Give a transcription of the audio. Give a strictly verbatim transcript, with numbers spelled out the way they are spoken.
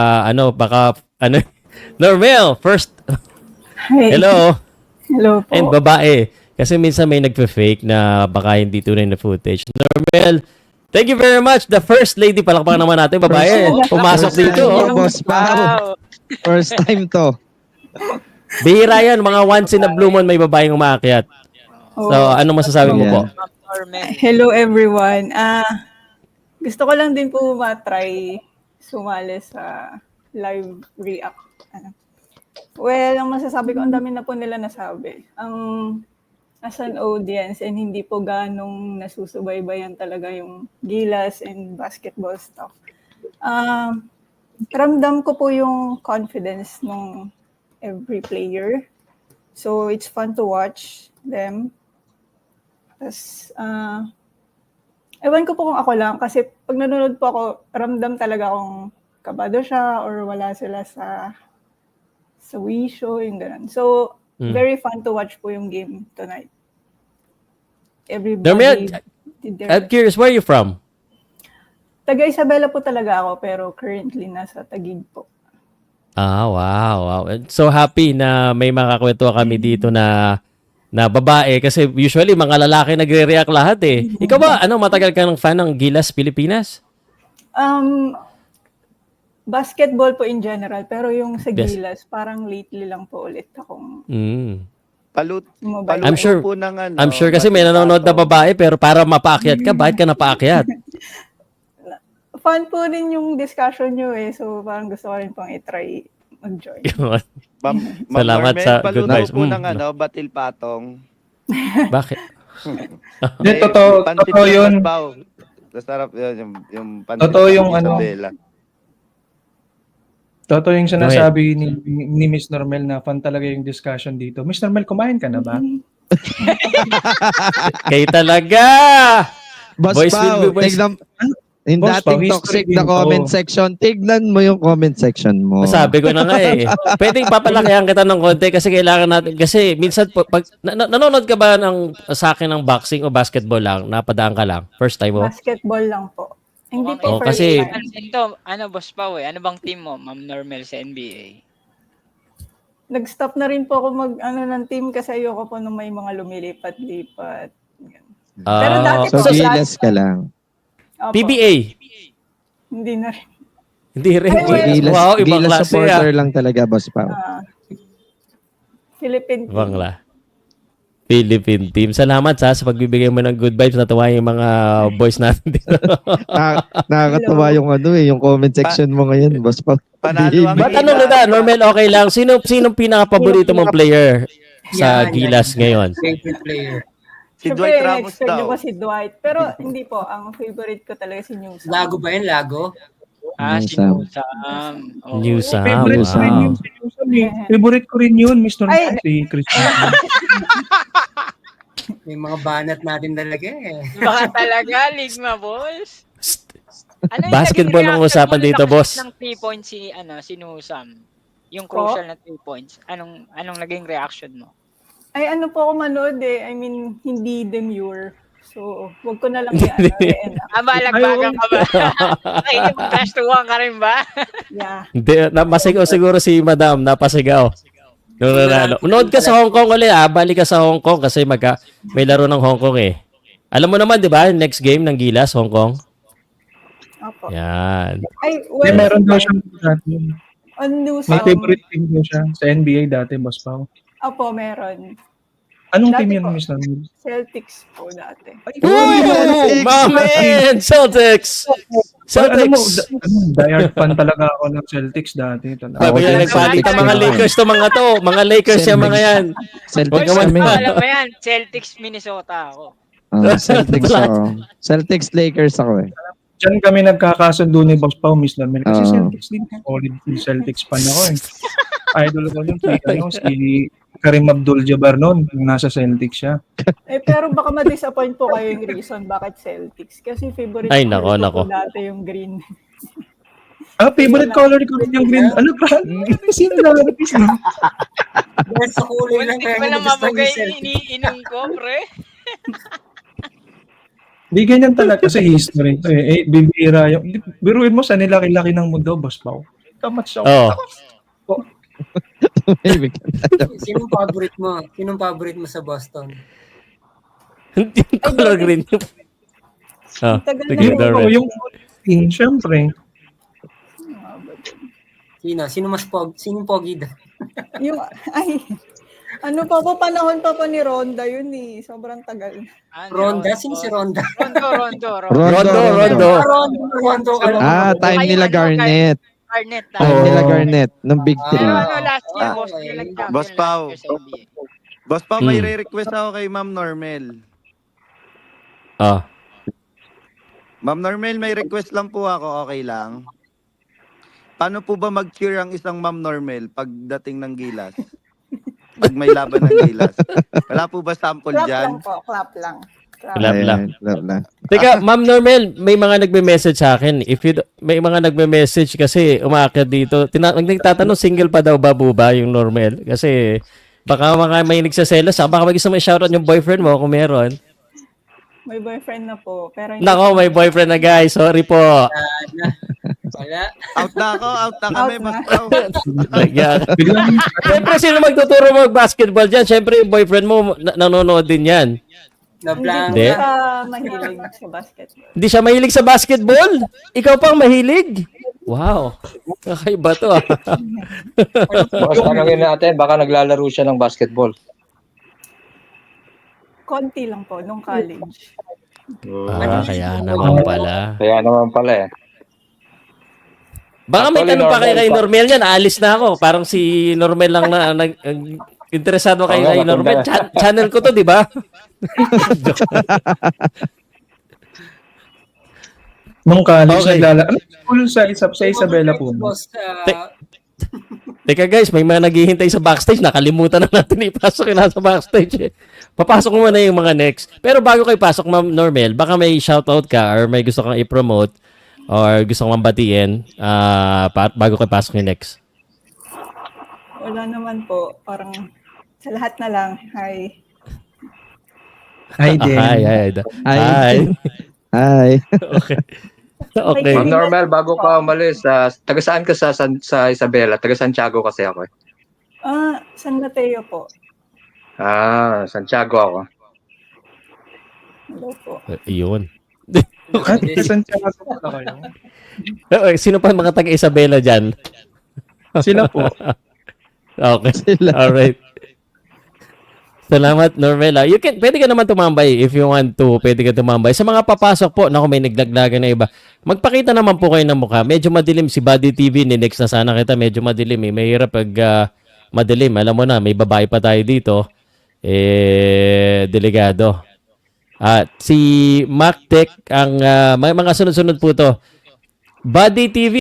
uh, ano, baka, ano, Normel, first, Hi. hello, Hello po. and babae. Kasi minsan may nagpe-fake na baka hindi tunay na footage. Normel, thank you very much. The first lady, palakpakan naman natin, babae. Pumasok First dito. time Oh. to, Boss Pao. First time to. Bihira yan, mga once in a blue moon may babaeng umaakyat. So, Oh, ano masasabi mo po? hello everyone. Ah, gusto ko lang din po ma-try sumali sa live react. Ano. Well, ang masasabi ko, ang dami na po nila nasabi. Ang as an audience and hindi po ganong nasusubaybayan talaga yung Gilas and basketball stuff. Ah, ramdam ko po yung confidence ng every player. So, it's fun to watch them. Tapos, uh, ewan ko po kung ako lang kasi pag nanonood po ako, ramdam talaga kung kabado siya or wala sila sa sa wisho, yung ganun. So, Mm. very fun to watch po yung game tonight. Everybody Normel, did their I'm curious, where are you from? Taga Isabela po talaga ako pero currently nasa Taguig po. Ah, wow, wow. So happy na may makakwento kami dito na na babae kasi usually mga lalaki nagre-react lahat eh. Ikaw ba, ano, matagal ka ng fan ng Gilas Pilipinas? Um, basketball po in general pero yung sa Yes. Gilas, parang lately lang po ulit akong Mm. Palut, mobile. paluto I'm sure- po ng ano. I'm sure kasi may nanonood na babae pero para mapaakyat ka, bakit ka napaakyat? Fun po rin yung discussion nyo eh. So, parang gusto ko rin pang i-try mag-join. Yun. Ma'am, Ma'am Salamat Normel, sa good paluto advice. po Mm. ng ano, batil patong. Bakit? Hindi, totoo, pansit totoo ng yun. Basbaw. Masarap yun, yung, yung pansit Totoo ng yung ano. Isabela. Totoo yung sinasabi ni, ni Miss Normel na fun talaga yung discussion dito. Miss Normel, kumain ka na ba? Kayo talaga! Boss Boys will Pao, be boys. tignan, yung Boss Pao, dating history toxic din na to. comment section, tignan mo yung comment section mo. Sabi ko na nga eh. Pwedeng papalakihan kita ng konti kasi kailangan natin. Kasi minsan, po, pag, na, na- nanonood ka ba ng, sa akin ng boxing o basketball lang? Napadaan ka lang? First time mo? Basketball lang po. Hindi Oh, po first kasi- time. Ito, ano, Boss Pao eh. Ano bang team mo, Ma'am Normel, sa N B A? Nag-stop na rin po ako mag ano ng team kasi ayoko po nung may mga lumilipat-lipat. Ah, Pero dati So, po, Gilas ka lang. Opo, P B A. Hindi na rin. Hindi rin. Ay, well, Gilas, Wow, ibang Gilas klase supporter ah. lang talaga, Boss Pao. Ah, Philippine team. Bangla. Philippine team. Salamat sa sa pagbibigay mo ng good vibes. Natuwa yung mga boys natin dito. Na, nakakatawa yung ano eh, yung comment section mo ngayon, Boss Pao. Panalo ang Ba't tanong kita, Normel, okay lang. Sino sino pinaka-paborito mong player sa Gilas ngayon? Favorite player. Si Siyempre, Dwight Ramos expect daw. niyo po si Dwight. Pero hindi po. Ang favorite ko talaga si Newsom. Lago ba yan? Lago? Ah, New si Sam. Newsam. Oh. Newsam. Favorite ko rin wow. yun si Newsom eh. Favorite ko rin yun, Miss Normel. Ay. Si Christian. May mga banat natin talaga eh. Baka talaga, Ligma, boss. Ano yung Basketball naging ang reaction usapan mo dito, nung boss. nakashoot ng three points si, ano, si Newsam? Yung crucial na three points. Anong anong naging reaction mo? Ay, ano po ako manood eh. I mean, hindi demure. So, wag ko na lang i-ano. i-end up. Ah, balagbagan ka ba? Nakikipag-crash to one ka rin ba? Yeah. Hindi, napasigaw siguro si Madam. Napasigaw. Nung nanalo. Nood ka sa Hong Kong ulit ah. Balik ka sa Hong Kong kasi magka, may laro ng Hong Kong eh. Alam mo naman, di ba? Next game ng Gilas, Hong Kong. Opo. Yan. Ay, May well, meron daw siyang dati. on news, May um, favorite team daw siya sa N B A dati, Boss Pao. Opo, meron. Anong Dati team yun, po. Miss Normel? Celtics po dati. Ooh, my man! Celtics! Alam mo, Celtics! da- ano, diehard fan talaga ako ng Celtics dati. Talaga. Sabi Ako na din, nagpalit ang Celtics mga din Lakers to mga to. Mga Lakers yung mga yan. Celtics Wag kami. naman. Alam mo yan, Celtics, Minnesota ako. Ah, Celtics ako. Celtics Lakers ako eh. Diyan kami nagkakasundo ni Boss Pao, Miss Normel. Kasi Oo. Celtics din. Solid yung Celtics fan ako eh. Idol ko yun si, ano, si Karim Abdul-Jabbar noon. Nasa Celtics siya. Eh, pero baka ma-disappoint po kayo yung reason bakit Celtics. Kasi favorite Ay, color nako, nako. ko po dati yung green. Ah, favorite color ko rin yung green. Ano ba? Sino na? Dahil sa kulay lang Hindi kaya pa lang nagustuhan mabugay yung Celtics. iniinom ko, pre. Di ganyan talaga kasi history to eh. Eh, bibira yung... Biruin mo sa nilaki-laki ng mundo, Boss Pao. Kamatch ako. Oh. Tumahimik ka na. Sinong favorite mo? Sinong favorite mo sa Boston? Yung color green. Oh, Ang tagal sige, na Darrell. Yung, yung team, syempre. Sino? Sino mas pog? Sinong pogi daw? Yung, ay, ano pa po, panahon pa po ni Ronda yun eh. Sobrang tagal. Ano, Ronda? Sino si Ronda? Rondo, Rondo, Rondo. Rondo, Rondo. Ah, Rondo, Rondo. Rondo. Ah, time nila Garnet. Garnet. Time Oh. nila Garnet. Nung Big Ah. Pero Three. ano, last year, Ah, boss, okay. nila champion Boss last Pao. year sa N B A. Boss pa, may Hmm. re-request ako kay Ma'am Normel. Oh. Ma'am Normel, may request lang po ako, okay lang? Paano po ba mag-cheer ang isang Ma'am Normel pagdating ng Gilas? Pag may laban ng Gilas. Wala po ba sample Clap dyan? lang po, clap lang. Clap. Clap lang. Ayan, clap lang. Teka, Ma'am Normel, may mga nagme-message sa akin. If you, do- may mga nagme-message kasi umaakyat dito. Tina- nagtatanong single pa daw ba buba yung Normel? Kasi baka mga may nagsaselos. Ah. Baka mag-isa may shoutout yung boyfriend mo kung meron. May boyfriend na po. Pero hindi Nako, may boyfriend na guys. Sorry po. Wala. Out na ako, out na kami, Out Boss na. Pao. Yeah. Biglang, Siyempre, sino magtuturo mo mag-basketball dyan? Siyempre, yung boyfriend mo na- nanonood din yan. Na-blank. Hindi. Hindi po siya mahilig sa basketball. Hindi siya mahilig sa basketball? Ikaw pang mahilig? Wow. Kakaiba to ah. Boss, tanongin natin, baka naglalaro siya ng basketball. Konti lang po, nung college. Ah, kaya naman pala. Kaya naman pala eh. Baka may Actually, tanong pa kayo normal kay pa. Normel yan. Alis na ako. Parang si Normel lang na nag ang- interesado kayo Oo nga, kay Normel. matanda. Cha- channel ko to, di ba? nung college, Okay. naglala. Ano school sa, Isab sa Isabela po? Boss, ah, Te- Teka guys, may mga naghihintay sa backstage. Nakalimutan na natin ipasok yung nasa backstage. Eh. Papasok mo na yung mga next. Pero bago kayo pasok, Ma'am Normel, baka may shoutout ka or may gusto kang i-promote or gusto kang batiin ah, pa- bago kayo pasok yung next. Wala naman po. Parang sa lahat na lang. Hi. Hi, din. Hi, hi. Hi. Hi. Hi. Okay. Okay. Ma'am Normal, bago ka umalis, uh, taga saan ka sa, San- sa Isabela? Taga Santiago kasi ako eh. Ah, San Mateo po. Ah, Santiago ako. Hello po. Yun. At Santiago pala kayo. Eh, Sino pa mga taga-Isabela dyan? Sila po. Okay. Sila. Alright. Salamat, Normela. You can, pwede ka naman tumambay if you want to. Pwede ka tumambay. Sa mga papasok po, naku, may naglaglagan na iba. Magpakita naman po kayo ng mukha. Medyo madilim si Buddy T V. Ni next na sana kita. Medyo madilim eh. Mahirap pag ah, madilim. Alam mo na, may babae pa tayo dito. Eh, delegado. At si Mac Tech, ang ah, may mga sunod-sunod po to. Buddy T V.